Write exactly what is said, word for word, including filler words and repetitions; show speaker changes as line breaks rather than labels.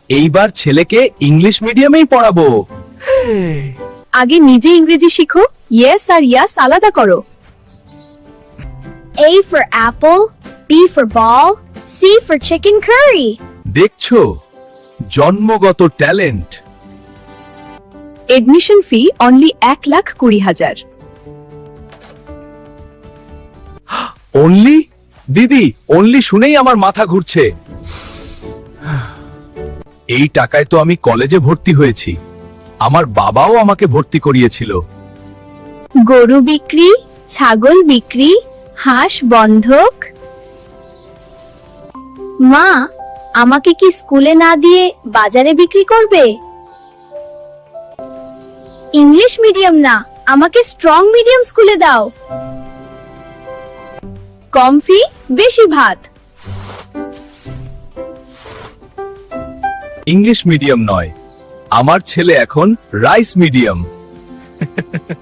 এইবার ছেলেকে ইংলিশ মিডিয়ামেই পড়াবো।
আগে নিজে ইংরেজি শিখো, ইয়েস আর ইয়াস আলাদা করো।
A for apple, B for ball, C for chicken curry.
দেখছো, জন্মগত ট্যালেন্ট।
এডমিশন ফি অনলি এক লাখ কুড়ি হাজার।
অনলি? দিদি, অনলি শুনেই আমার মাথা ঘুরছে। এই টাকায় তো আমি কলেজে ভর্তি হয়েছি। আমার বাবাও আমাকে ভর্তি করিয়েছিল।
গরু বিক্রি, ছাগল বিক্রি, হাঁস বন্ধক। মা, আমাকে কি স্কুলে না দিয়ে বাজারে বিক্রি করবে? ইংলিশ মিডিয়াম না, আমাকে স্ট্রং মিডিয়াম স্কুলে দাও।
কম ফি, বেশি ভাত।
ইংলিশ মিডিয়াম নয়, আমার ছেলে এখন রাইস মিডিয়াম।